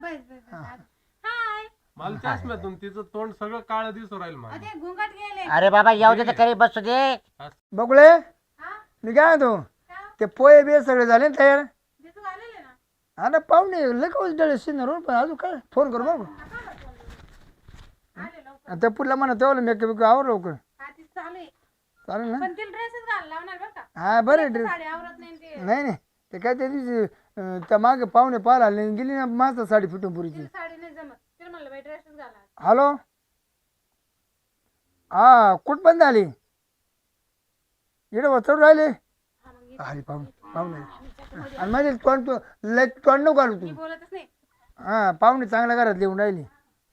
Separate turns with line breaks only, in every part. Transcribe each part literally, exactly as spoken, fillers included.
बस बस हाय
मला चष्म्यातून तिचं तोंड सगळं काळं दिसू राहील मला.
अरे घुंगट गेले.
अरे बाबा येऊ दे तर करी बसू दे.
बघुळे
हा
मी काय म्हणतो
का
ते पोहे बे सगळे झाले ना तयार.
दिसू आलेले ना.
हा ना पाहुणे लगेच डळे शिनर पण अजून काय फोन करू बघू
आले लवकर.
त्या पुढला म्हणा तेवढं मेकअप बिकअप आवर लवकर
हा ती चालू आहे.
चालेल ना.
पण तिला ड्रेसच घाल लावणार बरं का.
हा बरं ड्रेस
साडी आवरत नाही ते.
नाही नाही ते काय त्या दिवशी अं, त्या मागे पाहुणे पाहायला आले आणि गेली ना मस्त साडी फिटून पुरीची.
तिला साडी नाही जमत. तिला म्हणलं बाई ड्रेसच घाला.
हॅलो हा कुठपर्यंत आली इकडे चढ राहिले
हा मग इथे
अरे पाहुणे पाहुणे
त्याच्यामध्ये
आणि माझे तोंड तू लय तोंड नको घालू
मी
तू
बोलतच नाही.
हा पाहुणे चांगल्या घरात लिहून राहिली.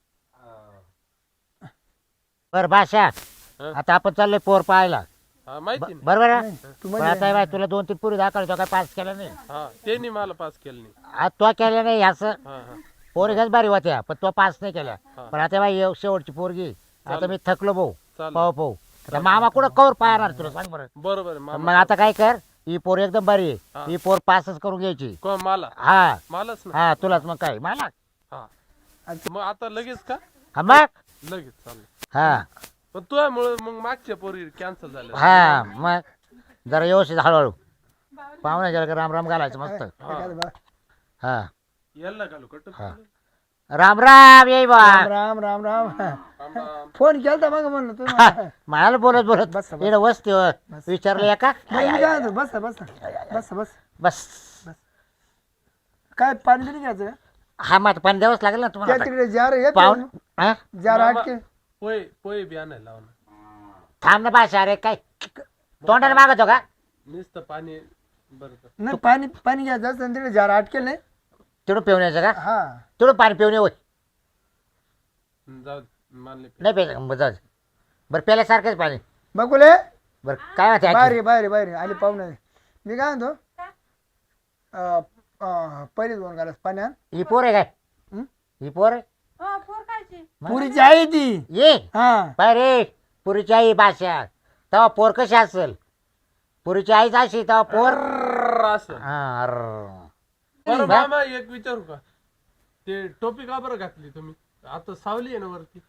बर भाषा
हं?
आता आपण चाललोय पोर पाहायला.
हा माहिती ना.
बरोबर आहे?
तू
पण
म्हणजे
आता बाय तुला दोन तीन पुरी दाखवतो काय पास केलं नाही.
हा त्यांनी मला पास केलं नाही.
आज तो केलं नाही असं
हा हा
पोरी घ्याच बारी होत्या पण तो पास नाही केला.
हा.
पण आता बाई एव- शेवटची पोरगी आता मी थकलो भाऊ
चालेल.
पाहू पाहू आता मामा कुठं कवर पाहणार तुला सांग बरं.
बरोबर आहे
मग
मामा.
आता काय कर ही पोर एकदम बरी
हा.
आहे ही पोर पासच करून घ्यायची.
कोण मला
हा
मलाच ना.
हा तुलाच मग काय मला
हा मग आता लगेच का
हा मग
लगेच चालेल.
हा
पण तुझ्यामुळे मग मागच्या पोरी कॅन्सल झाल्या.
हा मग जरा व्यवस्थित हळूहळू पाहुणे गेला का राम राम घालायचं मस्त.
एखादं बा-
हा
यायला घालू कट.
हा. राम राम येई बा
राम राम राम राम
राम राम.
फोन केलता मग म्हणलं तुम्ही
मला बोलत बोलत
बस, बस.
इकडे वस्ती विचारलं का
मी काय म्हणतो बस बस बस बस
बस
काय पाणी तरी घ्यायचं
हा मग पण द्यावंच लागेल ना
त्या
तुम्हाला
तिकडे जार येत
पाहून हा
जार
मामा,
आटके
पोहे पोहे बी आणायला लावून.
थांब ना भाषा अरे काय तोंडाने मागतो का
नुसतं पाणी बरं बरं.
नाही पाणी पाणी घ्यायचं असतं तिकडे जार आटकेल नाही
तिकडून पिऊन यायचं का
हा
तिकडून पाणी पिऊन येऊ
जाऊ दे, मानले पे.
नाही प्यायचं बरं जाऊ दे. बरं प्यायल्यासारखंच पाणी
बघुले
बरं काय माहिती
बाहेर बाहेर बाहेर आले पाहुणे मी काय म्हणतो अं, अं, पहिले दोन गालास पाण्यात
ही पोर आहे काय
हं?
ही पोर आहे
हो फोर खायची.
पुरीची आहे ती
ये
हा
पाय रे पुरीची आई भाषा तेव्हा पोर कशी असेल पुरीची आईच अशी तेव्हा पोर
अर्र असं.
हा, अर्र.
बरं मामा एक विचारू का ते टोपी का बरं घातली तुम्ही आता सावली आहे ना वरती.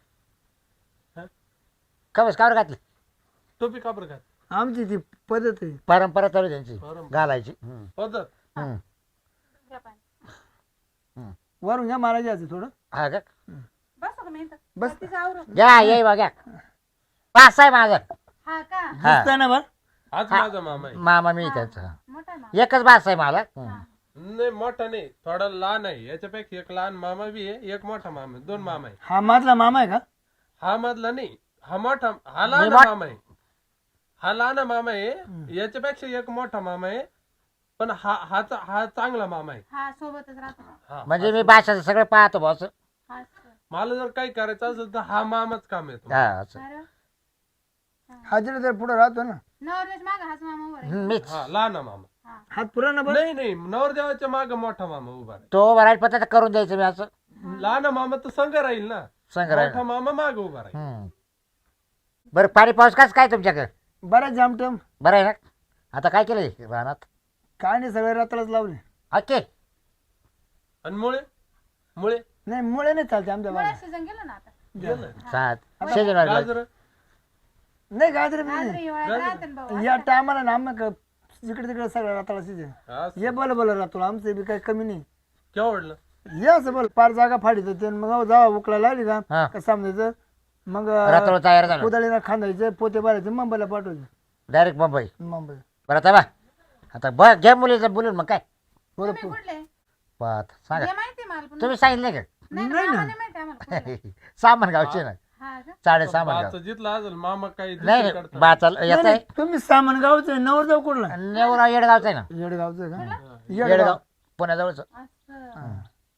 का बस कावर घातली
टोपी का बरं घातली
आमची ती पद्धत आहे
परंपरा चालू आहे त्यांची
परंपरा.
घालायची हं.
पद्धत.
हं.
घ्या पाणी.
वरून घ्या मला घ्यायचं थोडं
हा का
बस का मी इथं.
बस.
तिचं आवरून.
घ्या ये बघा पास आहे माझा
हा का
हा
दिसतंय ना बरं
आज माझा मामा आहे.
मामा मी त्याचा
मोठा आहे मा.
एकच बास आहे मला हं.
नाही मोठा नाही थोडा लहान आहे याच्यापेक्षा एक लहान मामा बी आहे एक मोठा मामा आहे दोन मामा आहे.
हा माझला मामा आहे का
हा मधला नाही हा मोठा हा लहान
मोठ-
मामा आहे. हा लहान मामा आहे याच्यापेक्षा एक मोठा मामा आहे पण हा हा चा- हा चांगला मामा आहे.
हा सोबतच राहतो.
हा
म्हणजे मी भाषाचं सगळं पाहतो बॉस
हा असं.
मला जर काही करायचं असेल तर हा मामाच काम येतो.
हा असं
बरं.
हाजीरा तर पुढे राहतो ना
नवरदेश मागं हाच मामा उभा आहे.
हं, मीच
हा लहान मामा.
हा.
हात पुरा ना बरं
नाही नाही नवरदेवाच्या माग मोठा मामा उभा आहे.
तो वरायला पत्ता करून द्यायचं मी असं
लहान मामा तर संघ राहील ना
संग
मोठा
राहील
मामा माग उभा राहील.
हं. बरं पाणी पाऊस कसं काय तुमच्याकडे
बऱ्याच जामटम
बरं आहे ना आता काय केलं रानात
काय नाही सगळे रात्राच लावले
ओके
आणि मुळे मुळे
नाही मुळे नाही चालते आमच्या
मला
बाबा
सीझन गेलं ना आता.
गेलं.
सात शेजून वाढलं.
गाजर
नाही गाजरे
आज
नाही
हिवाळ्यात राहते ना भाऊ.
या टायमाला ना आम्ही क- जिकडे तिकडे सगळं रात्राला सीजन
असं.
ये बोला बोला राहतो आमचं बी काही कमी नाही
केवढलं
ये असं बोल पार जागा फाडीत होते मग जावा उकला लागली
हा.
का का समजायचं मग
रात्र तयार झालं
कोदाळीला खांदायचं पोते भरायचे मुंबईला पाठवायचे
डायरेक्ट मुंबई
मुंबई
बरं आता बा आता बघ घ्या मुलीचं बोलून मग काय
बरं
तुम्ही कुठले?
पाहत सांगा
हे माहिती आहे मला पण.
तुम्ही सांगितलं का
नाही
नाही
ना,
ना.
आम्हाला माहिती आहे आम्हाला कुठले.
सामान गावचे ना
हा का?
साडे सामान गाव
बाचं जिथला असेल मामा काही
नाही
दुसरं
नाही
करतात.
बाचा
नाही,
येत
नाही,
आहे
तुम्ही सामान गावचं नवर जाऊ कुठला
नेवरा येडगावचं आहे ना
येडगावचं का
येडगाव
येडगाव
पुण्याजवळच
असं.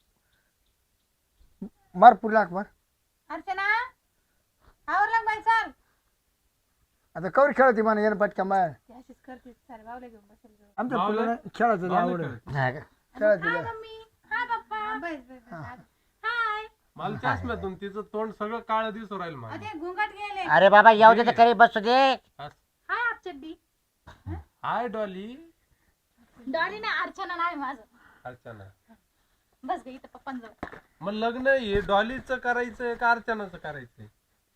मारपूर लाख मार
अर्चना आवरला का बाई चाल.
आता कवर खेळती म्हणा यानं पटका मार
ती अशीच करते सारे बावले घेऊन बसेल जवळ.
आमच्या
बावलं?
पुढे खेळायचं लय आवड
बावलं
आहे.
खेळ.
हा का?
खेळायचं
हाय
लय.
मम्मी हाय पप्पा बस बस बस. हाय
मला चष्म्यातून तिचं तोंड सगळं काळं दिसू राहील मला.
अरे घुंगट गेले.
अरे बाबा येऊ दे तर करी बसू दे
असं.
हाय आप चड्डी.
हाय डॉली
डॉली ना अर्चना नाही माझं.
अर्चना
बस गे इथं पप्पांजवळ.
मग लग्न हे डॉलीचं करायचंय का अर्चनाचं करायचंय?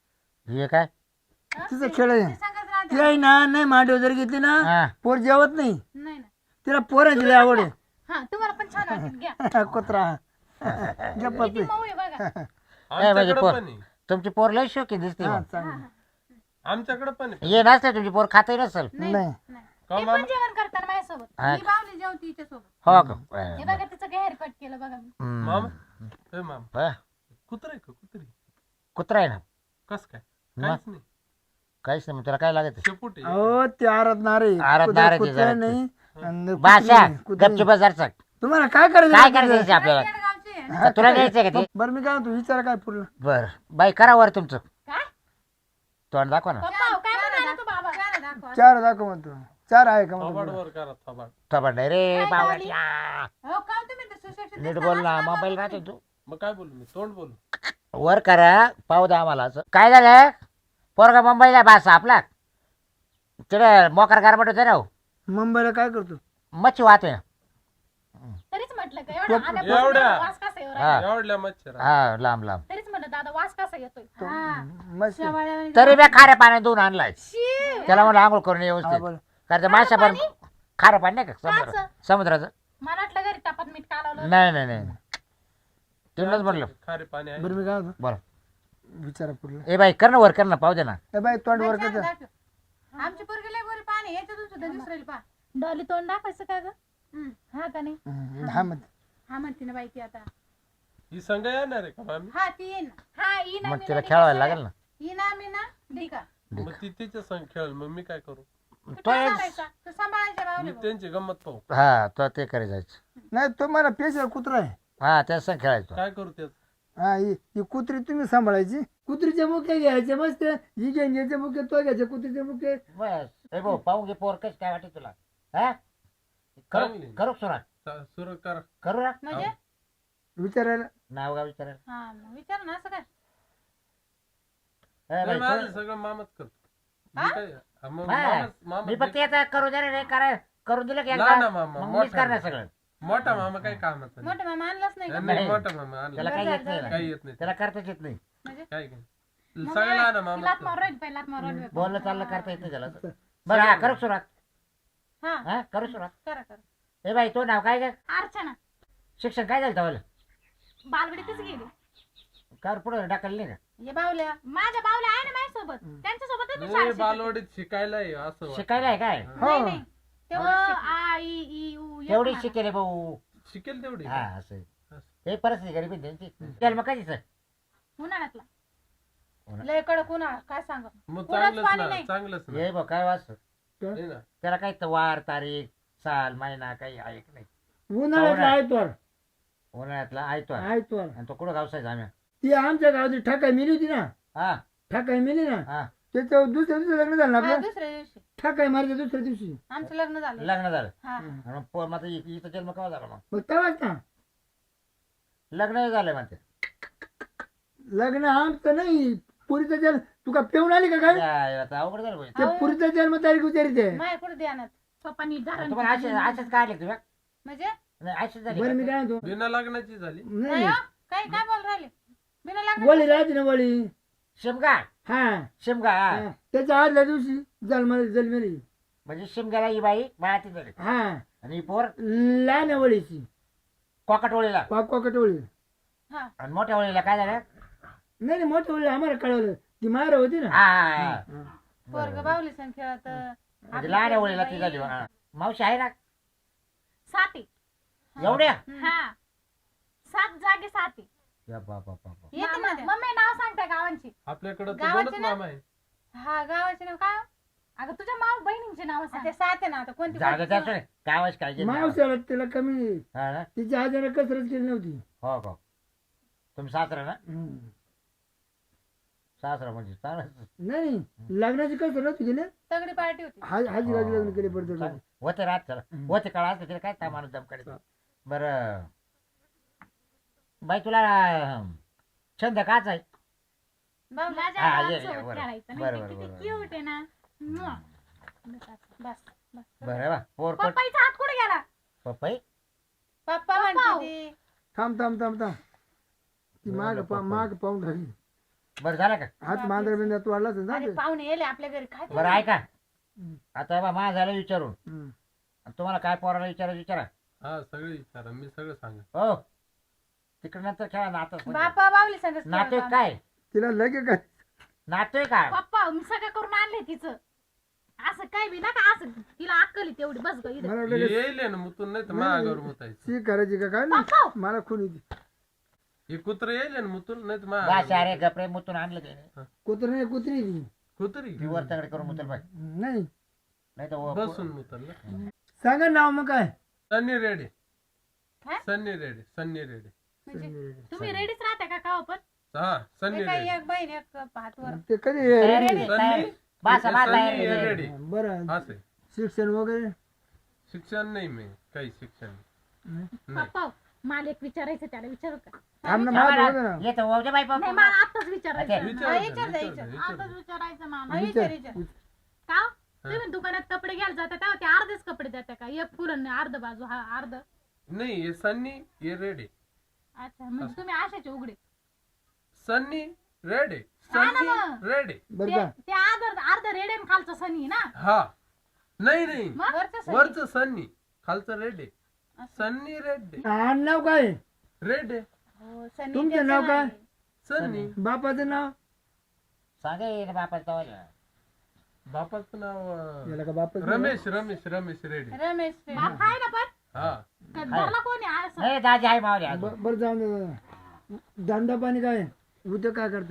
हे काय
तिचं खेळ आहे
ते सांगत राहते.
ती आहे ना नाही मांडव जर घेतली ना
हा
पोर जेवत नाही
नाही ना.
तिला पोराची लय आवड आहे
हा तुम्हाला पण छान वाटेल घ्या.
कुत्रा गप्पा
किती मऊ आहे बघा.
म्हणजे
आमच्याकडे
पोर-
पण आहे.
तुमची पोर लय शोकी दिसते
हा
मग.
चांगलं
आमच्याकडे पण आहे.
ये नसते तुमची पोर खातही नसेल.
नाही
नाही.
नाही.
का
ते
मामा?
पण जेवण करताना माझ्यासोबत.
हा.
मी बावली जेवती हिच्यासोबत.
हो का
हे बघा तिचं हेअर कट केलं बघा मी.
हम्म.
मामा ए मामा
हा,
कुत्र आहे का कुत्री?
कुत्रा आहे ना
कस काय?
मग?
काहीच नाही.
काहीच नाही मग तुला काय लागत
शेपूट आहे.
अहो ते आरत नारे
आरत नारे ते
कुत्रा
जरा.
नाही आणि
बाशा
कुत्री- कुत्री.
गपची बाजार
तुम्हाला काय करायचं
काय
रात्री?
करायचं आपल्याला
गावची आहे.
तर तुला घ्यायचंय का ते
बरं मी काय म्हणतो विचार काय पुरलं
बर बाई करा वर तुमचं
काय?
तोंड दाखवा ना
पप्पा काय म्हणाला तू बाबा? चार दाखव.
चार दाखव म्हणतो चार आहे का
थोबाड
म्हणतो
वर करा थोबाड.
थोबाड नाही रे
काय
बावळ्या
हो का तुम्ही तर सुशिक्षित
नीट
दिसता
बोल ना
ना,
मोबाईल
बाबा
राहतो
तुम्ही.
तू
मग काय बोलू मी? तोंड बोलू?
वर करा पाहू द्या आम्हाला असं काय झालं पोरगा मुंबईला बासा आपला तिकडे मोकार गारबट होते ना हो.
मुंबईला काय करतो
मच्छी वाहतोय ना
तरीच म्हटलं का एवढं आल्यापासून
एवढ्या?
वास कसा येऊ
हा.
राहिला?
एवढल्या मच्छर
हा लांब लांब
तरीच म्हटलं दादा वास कसा येतोय. हा.
मस्त
शेवाळ्या-
तरी बी खाऱ्या पाण्यात धुवून आणलाय
शी.
त्याला म्हणलं आंघोळ करून
हा,
व्यवस्थित
बोल.
कारण ते माशा पण खारं पाणी नाही का समुद्र
काचं?
समुद्राचं
मला वाटलं घरी तापात मीठ कालवलं.
नाही नाही नाही तिकडच म्हटलं
खारे पाणी आहे.
बरं मी काय म्हणतो
बरं
विचारा पुरलं
ए बाई कर ना वर कर ना पाहू दे ना
ए बाई तोंड वर
चार
करतो
दाखव. आमची पोरगी लय गोरी पाणी याच्यातून सुद्धा दुसरेल पा डॉली तोंड दाखवायचं का ग? हं. हा का नाही?
हा मग
हा म्हणते ना बाई ती आता.
ही संघ येणार आहे का मामी?
हा ती येईन. हा येईन
मग
आम्ही
तिला
ना,
खेळवायला
ती
लागेल ना
येईन आम्ही ना ढिका.
मग ती तिच्या संघ खेळ मग मी काय करू?
तू
तो
काय
एक-
करायचा? तू सांभाळायच्या
मी
बावले भाऊ.
त्यांची गंमत पाहू.
हा तो ते करे जायचं
नाही तो मला पेशल कुत्रा आहे
हा त्याच संग खेळायचं
काय करू त्याच?
हा ही ही कुत्री तुम्ही सांभाळायची कुत्रीचे मुखे घ्यायचे मस्त ही घेऊन घ्यायचे मुखे तो घ्यायचे कुत्रीचे मुखे
बस ए भाऊ पाहू घे पोर कशी काय वाटते तुला हा करू
चांगली.
करू सुरा
चा- सुरू करा.
करू ना
म्हणजे
विचारायला
नाव गाव विचारायला
हा मग विचार ना असं काय.
ए बाई,
नाही, माझं
करू-
सगळं मामाच करतो. मी
हा?
काय हा, मग
हा.
मामाच- मामा
मी फक्त याचा करू दे रे करा करून दिलं की
लहान
एकदा
मामा,
मग
मोठा
मीच करणार
मामा.
सगळं
मोठा मामा काही कामाचा नाही.
मोठं मामा आणलाच नाही का?
नाही,
नाही.
मोठा मामा आणला.
त्याला काही येत नाही ना.
काही येत नाही.
त्याला करताच येत नाही
म्हणजे
काय काय
मग
सगळं लहान
ती
मामा
लात मारू राहिली, पहिला लात मारू राहिली.
बोलणं चाललं करता येत नाही त्याला बरं हा करू सुरुवात
हा
हा करू सुरुवात
करा करा.
ए बाई तो नाव काय ग
अर्चना
शिक्षण काय झालं तवाला
बालवडीतच गेली.
कार पुढे टाकलं नाही का
हे बावल्या माझ्या बावल्या आहे ना माझ्यासोबत त्यांच्या सोबतच मी
नाही,
शाळेत शिकते.
बालवाडीत शिकायला आहे असं वाटतं.
शिकायला आहे काय
हो
नाही नाही तेव्हा आ इ ई उ येत
तेवढी
मला.
शिकेले भाऊ
शिकेल तेवढी
हा असं आहे. हे परिस्थिती गरीब आहे त्यांची जन्म कधी सर
उन्हाळ्यातला
उन्हा-
लय कडक उन्हाळा काय सांग
मग
कोणाच
चांगलंच
पाणी
ना
नाही.
चांगलंच ना
हे बघ काय वाच
नाही ना.
त्याला काही तर वार तारीख साल महिना काही आहे की नाही
उन्हाळ्यातला आहे तो
उन्हाळ्यातला आहे तो
आहे तो
आणि तो कुठं गावसायचा आम्ही
ती आमच्या गावाची ठाकाय मिली होती ना
हा
ठाकाय मिली ना
हा
त्याच्यावर दुसऱ्या दिवशी लग्न झालं ना
हा,
आपलं
दुसऱ्या दिवशी
ठाकाय मारच्या दुसऱ्या दिवशी
आमचं लग्न झालं
लग्न झालं
हा
आणि पोर मात्र इ- इथं जन्म केव्हा झाला मग
मग तेव्हाच ना
लग्न झालं म्हणते
लग्न आमचं नाही पुरीचा जन्म तुका पेऊन आली का काय
या, आता अवघड झालं भाई.
ते पुरीचा जन्म तारीख विचारिते
माया कुठे ध्यानात सोपा नीट धरण
तुम्हाला असेच असेच काढले तुम्ही
म्हणजे
नाही असेच झाले
बरं
का?
मी काय म्हणतो
बिना लग्नाची झाली.
नाही
नाही
हो? काय काय बोल राहिले बिना लग्न
वळी राहते ना वळी
शिमगा
हा
शिमगा हा.
हा. त्याच्या आदल्या दिवशी जन्म जन्मेली
म्हणजे शिमग्याला ही बाई बाळाती झाली
हा
आणि ही पोर
लहान आहे वळीची
कोकटवळीला
कॉकॉकट वळी
हा
आणि मोठ्या वळीला काय झालं
नाही नाही मोठं वळी आम्हाला कळवलं ती मार होती ना
हा हा, हा.
हा.
पोरग बावली सण खेळत
म्हणजे लहान वळीला ती झाली हा. मावशी आहे ना
साती
एवढ्या
हा सात जागे साती
या बा बा बा बा.
येते ना मम्मी नाव सांगते गावांची
आपल्याकडे तर
गावाचे
दोनच
ना?
मामा आहे.
हा गावाचे नाव काय अगं तुझ्या माव बहिणींचे नाव ते सात आहे ना आता कोणती
जागा
कोणती?
त्याच काय वाज काय केलं?
मावसाला तिला कमी
हा ना?
तिच्या आजारा कसरत केली नव्हती
हो हो तुम्ही सासरा ना
हम्म.
सासरा म्हणजे चांगलं
नाही लग्नाची कसरत नव्हती गेले
तगडी पार्टी होती
हाजी गाजी लग्न केले पडतो
होते रात चला होते काळ असते तिला काय काय माणूस दम काढायचं बरं बाई तुला अं, छंद काच आहे
बावला
हा, ये, ये,
सोबत
बरं.
खेळायचं
बरं,
नाही
बरं,
ते किती
बरं.
क्यूट आहे ना मुआ. बस बस
बरं बा पोर पट
पप्पाईचा हात कुठे गेला
पप्पाई
पप्पा म्हणते ती
थांब थांब थांब थांब ती माग पा- माग पाहून राहिली
बरं झालं का
हात मांजर बिंदर तू वाढलाच ना
अरे पाहुणे येले आपल्या घरी काय
बरं ऐका आता बा मा झालं विचारून
हम्म.
आणि तुम्हाला काय पोराला विचारायचं विचारा
हा सगळे विचारा मी सगळं सांगा
हो तिकडे नंतर खेळा नातं
बापा बावली सांगत
नातोय काय
तिला लगे काय
नातोय काय
पप्पा मी सगळं करून आणले तिचं असं काय बी नका असं तिला अक्कल तेवढी बस ग इथं
मला वाटलं
येईल ना मुतून नाही तर मागावर मुतायचं
शी करायची का काय
पप्पा
नाही मला खून येते
हे कुत्र येईल ना मुतून नाही तर
बा
मागावर
सारे गपरे मुतून आणलं ते
कुत्र नाही कुत्री ती
कुत्री
ती वर तगडे करून मुतल बाई
नाही
नाही तर
बसून मुतल ना
सांगा नाव मग काय
सन्नी रेडे
काय?
सन्नी रेडे सन्नी रेडे
म्हणजे तुम्ही रेडीच राहता का का पण
हा सन्नी रेडे
एक बहीण एक हातवर
ते कधी
तयारी
रेडी?
तयारी बासा बासा
सन्नी
तयारी
रेडे
बरं
असे
शिक्षण वगैरे
शिक्षण नाही मी काही शिक्षण नाही
पप्पा मला एक विचारायचं त्याला विचारू का
थांब ना मला बघू ना.
येतो ओजे बाई
नाही
पाहू
मला आताच विचारायचं
अच्छा.
विचार
हा,
ना,
विचार
विचार
विचार
ना, विचार
आताच
ना.
विचारायचं मला
विचार.
विचार विचार का तुम्ही दुकानात कपडे घ्यायला जाता तेव्हा ते अर्धेच कपडे देता का एक पुरण अर्ध बाजू हा अर्ध
नाही हे सन्नी हे रेडे
अच्छा म्हणजे तुम्ही आशाचे उघडे
सन्नी रेडे
हा ना
सन्नी
मग.
रेडे
बरं
ते
का
ते अर्ध अर्ध रेडेन खालचं सनी ना
हा नाही नाही
मग वरचं
वरच सन्नी खालचं रेडे सन्नी रेडे
आड नाव काय
रेडे
हो, सनी
तुमचं
त्याचं
नाव काय?
नाही.
सन्नी
बापाचं नाव
सांगे बापा तवाला
बापाचं नाव अं,
याला का बापाचं नाव?
रमेश रमेश रमेश रेडे
रमेश बाप आहे ना पण
हा
का घरला कोणी आहे असं
नाही दाजी आहे मावले अजून.
ब- बरं जाऊन दे दादा. धंदा पाणी काय उद्या काय करतो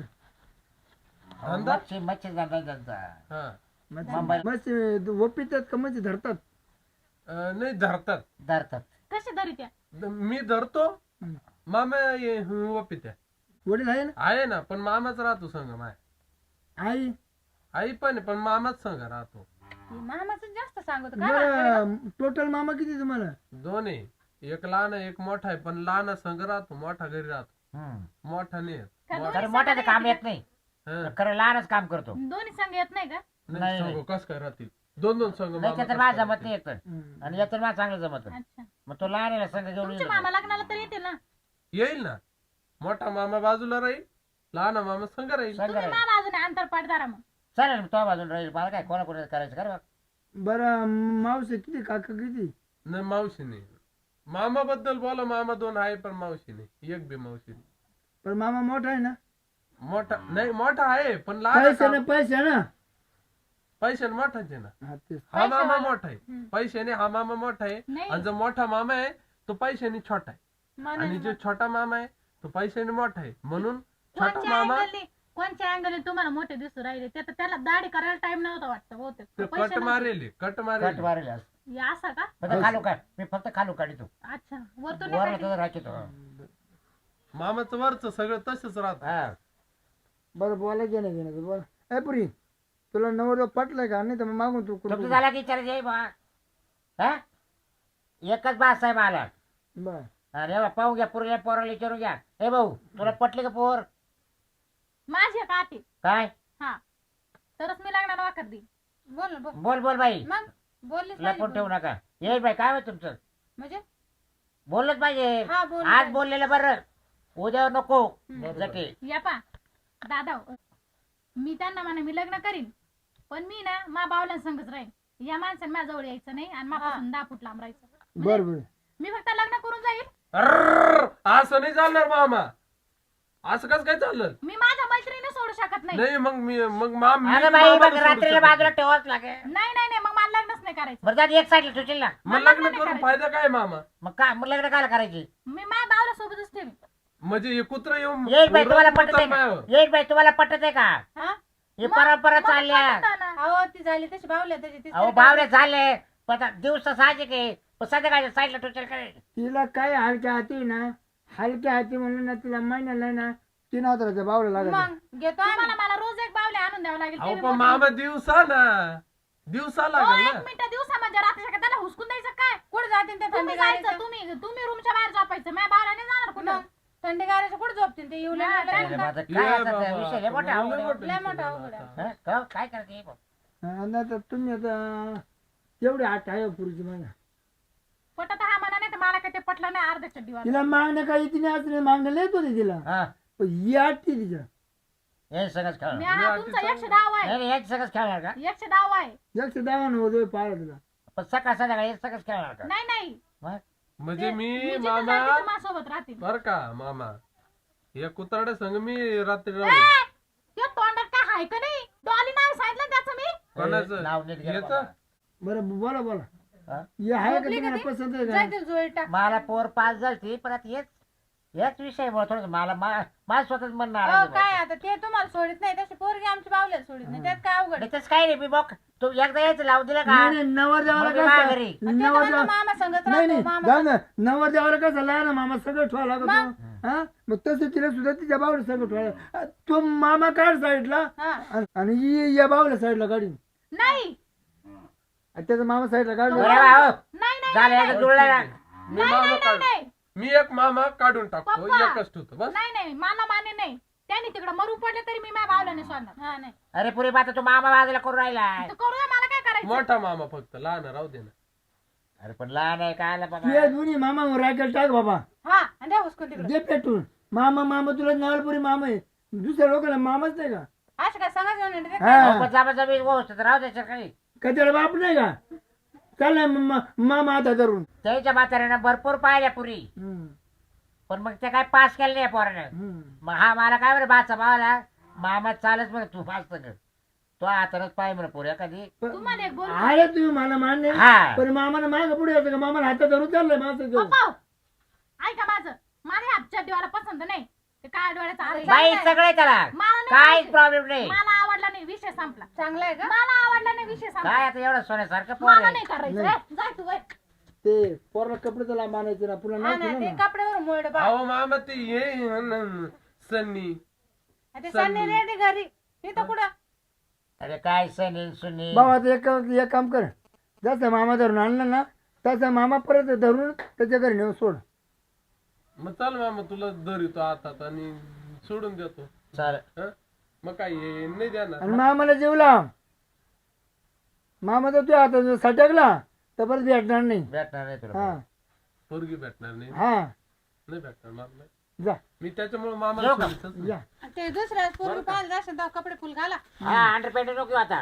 धंदा?
मच्छी मच्छी धंदा त्यांचा
हा
मुंबई-
मस्त ओपितात का म्हणजे धरतात
अं, नाही धरतात
धरतात
कसे धरी त्या
द- मी धरतो
हम्म.
मामा ये वपित्या
वडील आहे ना
आहे ना पण मामाच राहतो संग माय
आई
आई पण आहे, पण मामाच संग राहतो
मामाचं जास्त सांगतो का
बरं टोटल मामा किती तुम्हाला
दोन आहे एक लहान आहे, एक मोठा आहे पण लहान संग राहतो मोठा घरी राहतो
हम्म.
मोठा नाही येत.
का
मोठा-
खरं मोठ्याचं काम येत नाही
हा.
खरं लहानच काम करतो
दोन्ही संघ येत नाही का
नाही
नाही.
संग कस काय राहतील दोन दोन संघ
नाही त्याचं माझं जमत नाही येत
हम्म.
आणि याचं माझं चांगलं जमत
अच्छा
मग तो लहान आहे संघ घेऊन
तुमचे
येतो.
मामा लग्नाला तर येते ना
येईल ना मोठा मामा बाजूला राहील लहान मामा संग राहील
संघ
तुम्ही
राहील.
मला अजून अंतर पाडदारा मग
चालेल मग तो बाजून राहील मला काय कोणा कोणा करायचं कर
बरं मावशी किती काका किती
नाही मावशी नाही मामा बद्दल बोला मामा दोन आहे पण मावशी नाही एक बी मावशी नाही
पण मामा मोठा आहे ना
मोठा नाही मोठा आहे पण लहान आहे
पैसे ना
का?
पैसे ना
पैशाने मोठाच आहे ना
हा तेच
हा मामा
पैशावाला.
मोठा आहे
हम्म.
पैशाने हा मामा मोठा आहे
नाही
आणि जो मोठा मामा आहे तो पैशाने छोटा आहे
म्हणून
आणि जो छोटा मामा आहे तो पैशाने मोठा आहे म्हणून छोटा
कोणच्या
मामा
अँगलने कोणच्या अँगलने तुम्हाला मोठे दिसू राहिले ते तर त्याला दाढी करायला टाइम नव्हता वाटतं बहुतेक
ते
पैसे
कट
नव्हते.
मारेल कट
कट
मारेल
मारेल आज.
हे असं का
फक्त खालू काढ मी फक्त खालू काढतो
अच्छा वरतून
वर
नाही
तुझं राखीतो
मामाचं वरच सगळं तसंच राहत
हा
बरं बोलायचं नाही घेण्याचं बरं ए पुरी तुला नवर पटलंय का नाही तर मग मागून तू
तुमचं
कुठं
झाला की विचारायचं आहे बा हा एकच बास आहे मला
बरं
अरे बा पाहू घ्या पुरीला पोराला विचारू घ्या हे भाऊ तुला पटले का पोर
माझी का आते
काय
हा तरच मी लग्नाला वाकर देईन बोल ना बोल
बोल बोल बाई
मग बोललीच
लपून
पाहिजे
ठेवू नका येईल बाई काय होय तुमचं
म्हणजे
बोललंच पाहिजे
हा बोल
आज बोललेलं बरं उद्या नको
हम्म.
जटे
या पा दादा मी त्यांना म्हणा मी लग्न करीन पण मी ना मा बावल्या संगच राहीन या माणसाने माझ्या जवळ यायचं नाही आणि माझ्यापासून दहा फूट लांब राहायचं म्हणजे
बरं बरं
मी फक्त लग्न करून जाईल
अर्र, असं नाही चालणार मामा असं कसं काय चाललं
मी माझ्या मैत्रिणी सोडू शकत नाही
नाही मग मी मग माम मी
अगं बाई
मामाला
मग
सोडू
रात्रीला
शकत
बाजूला
नाही.
ठेवाच लागेल
नाही नाही नाही मग मला लग्नच नाही करायचं
बरं जात एक साईडला ठेवशील ना
मग
मला
लग्न
नाही
करून
करायचं.
फायदा काय मामा
मग काय मग लग्न काय करायची
मी माझ्या बावल्या सोबतच ठेवी
म्हणजे हे कुत्र येऊन
येईल बाई तुम्हाला
उरत
पटत आहे का
मायावर.
येईल बाई तुम्हाला पटत आहे का
हा
हे
मग-
परंपरा
मग
चालल्या
पटतं ना. अहो ती झाली तशी बावल्या त्याची ती
अहो बावरे झाले पण आता दिवस साहजिक आहे पण संध्याकाळच्या साईडला ठेवशील काय
तिला काय हलक्या हाती ना हलक्या हाती म्हणून ना तिला महिन्याला ना तीन हजाराच्या बावला लागत
मग घेतो मला मला रोज एक बावले आणून द्यावं लागेल
अहो
ते बी
पण
मोठी.
मामा दिवसा ना दिवसा
अहो,
लागेल
एक
ना
मिनिट दिवसा म्हणजे रात्री का त्याला हुसकून द्यायचं काय कुठे जातील ते थंडी जायचं तुम्ही तुम्ही रूमच्या बाहेर झोपायचं माझ्या बावला नाही जाणार कुठं थंडी गारायचं कुठे झोपतील ते येऊ
अरे माझं
ये
काय आता
बाबा,
त्या विषय लय मोठा
लय
अवघड आहे.
मोठं
लय
विषय
मोठा
झाला
अवघड आहे.
आता.
हं? का? काय करायचं हे बघ.
आणि आता तुम्ही आता तेवढी आठ आहे पुरीची माझ्या
पटत हा म्हणा नाही तर मला काय ते पटलं नाही अर्ध्या चड्डीवर
तिला मागण्या काही तिने असं मागण्या लिहित होते तिला
हा
पण ही आठती तिच्या
हे सगळंच
मी
खेळणार
हा तुमचा एकशे दहा आहे
नाही नाही याच सगळंच खेळणार का
एकशे दहा आहे
एकशे दहा होतो पाहिला तुला
पण सकाळ संध्याकाळी हे सगळंच खेळणार का
नाही नाही
मग?
म्हणजे
ते-
मी
जिथं
मामा
जाईल तिथं माझ्यासोबत राहतील
बर का मामा या कुत्राड्या संग मी रात्री राहू
ए, त्या तोंडात काय हाय का नाही डॉली नाव सांगितलं त्याचं मी
कोणाचं
नाव नीट घे
याचं?
बाबा.
बरं बोला बोला
हा?
हे आहे का
झोपली का
तुम्हाला
ती?
पसंत आहे
जाय
का
ते जोडी टाक
मला पोर पास झाली पण आता हेच याच विषयामुळे थोडं मला मा- माझं स्वतःच मन नाराज
अहो,
आहे
काय
बा.
आता ते तुम्हाला सोडित नाही तशी पोरगी आमची बावल्या सोडित नाही त्यात काय अवघड
नाही तसं काय नाही मी बघ तू एकदा यायचं लावून दिलं का
नाही नाही नवर देवाला
मग मी माघारी.
कसं
आणि ते तर
नवर
म्हणतो
देवा
मामा संगत
नाही नाही
राहतो मामा
जाऊ ना नवर देवाला कसं लहान मामा सगळं ठेवा लागत हा मग तसं तिला सुद्धा तिच्या बावला सगळं ठेवा तो मामा काढ साईडला
हा
आणि- आणि ही या बावला साईडला काढीन
नाही
आणि त्याचा मामा साईडला काढला
बरं बा, हो.
नाही नाही
झालं
नाही,
एकदा जुळलं ना
मी मामा काढ
नाही
मी एक मामा काढून टाकतो
पप्पा.
एकच ठेवतो बस
नाही नाही मला माने नाही त्यांनी तिकडे मरून पडले तरी मी माझ्या भावला नाही सोडणार
हा नाही
अरे पुरी बात तू मामा बाजूला करून राहिला
तर करू द्या मला काय करायचं
मोठा मामा फक्त लहान राहू दे ना
अरे पण लहान आहे काय आला
तू
बाबा
या दोन्ही मामा राखेल टाक बाबा
हा आणि द्या हुसकून तिकडे
दे पेटून मामा मामा तुला नवलपुरी मामा आहे दुसऱ्या लोकांना मामाच नाही का
असं काय सांगा घेऊन येते
अहो,
हा
पण जाबा जाबी व्यवस्थित राहू द्यायचं काही
का त्याला बाप नाही का चाललाय मामा मामा आता धरून
त्याच्या म्हाताऱ्यानं भरपूर पाहिल्या पुरी
हम्म,
पण मग ते काय पास केलं नाही पोरानं
हम्म.
मग हा मला काय बरं बाचा भावाला मामा चालच म्हणे तू पास कर तो हातानच पाय म्हणे पोऱ्या कधी
तुम्हाला एक बोल
आले तुम्ही मला मान्य
हा
पण मामाला माग पुढे येतं का मामाला हातात धरून चाललंय माझं घेऊन
पप्पा ऐका माझं मला ह्या डोळ्याला पसंत नाही ते काय डोळ्याचा अर्थ
बाई सगळे त्याला
मला नाही
काहीच
पाहिजे.
प्रॉब्लेम नाही
मला आवडला नाही विषय संपला
चांगलं आहे का
मला आवडला नाही विषय संपला
काय आता एवढं सोन्यासारखं पोर
मला
आहे
नाही करायचं
नाही.
ए, जाय तू वय.
ते पोराला कपडे त्याला मानायचे ना पुन्हा
हा
नाही
ना ते
ना
कपड्यावर मोड बा
अहो मामा ते ये न- सन्नी
ते सन्नी रेडी घरी तिथं कुठं
अरे काय सनी सुनी
बाबा आता एक एक काम कर जसं मामा धरून आणलं ना तसा मामा परत धरून त्याच्या घरी नेऊन सोड
मग चल मामा तुला धरितो हातात आणि सोडून देतो
चालेल
हं? मग काय हे नाही देणार
आणि मामाला जेवला मामा तर तुझ्या हातात सटकला तर परत भेटणार नाही
भेटणार नाही तुला
हा
पोरगी भेटणार नाही
हा
नाही भेटणार मला नाही.
जा
मी त्याच्यामुळे मामा
येऊ का?
या
ते दुसऱ्या पोरगी पाहिलं जास्त तेव्हा कपडे फुल घाला
हा अंडर पॅन्ट नको आता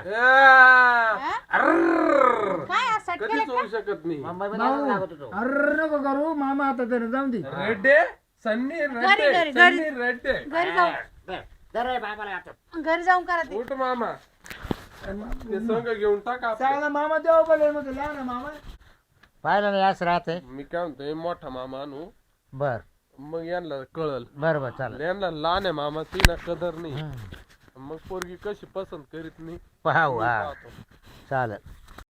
काय आज सट
कधीच होऊ शकत नाही
मुंबईमध्ये असंच लागत होतो
अरे नको करू मामा आता धरून जाऊन दे
रेड्डे सन्नी
घरी,
रेड्डे
घरी,
सन्नी रेड्डे
घरी जाऊन
दर- दर रे बाबाला आता
घरी जाऊन करा ते
उठ मामा ते संग घेऊन टाक आपलं.
चांगला मामा देवा बोलेल मग लहान मामा
पाहिलं नाही असं राहते
मी काय म्हणतोय मोठा मामा आणू
बर
मग यांना कळल
बर बर चालेल
यांना लहान आहे मामा ती ना कदर नाही
हम्म.
मग पोरगी कशी पसंत करीत नाही
पाहू हा
पाहतो.
चालेल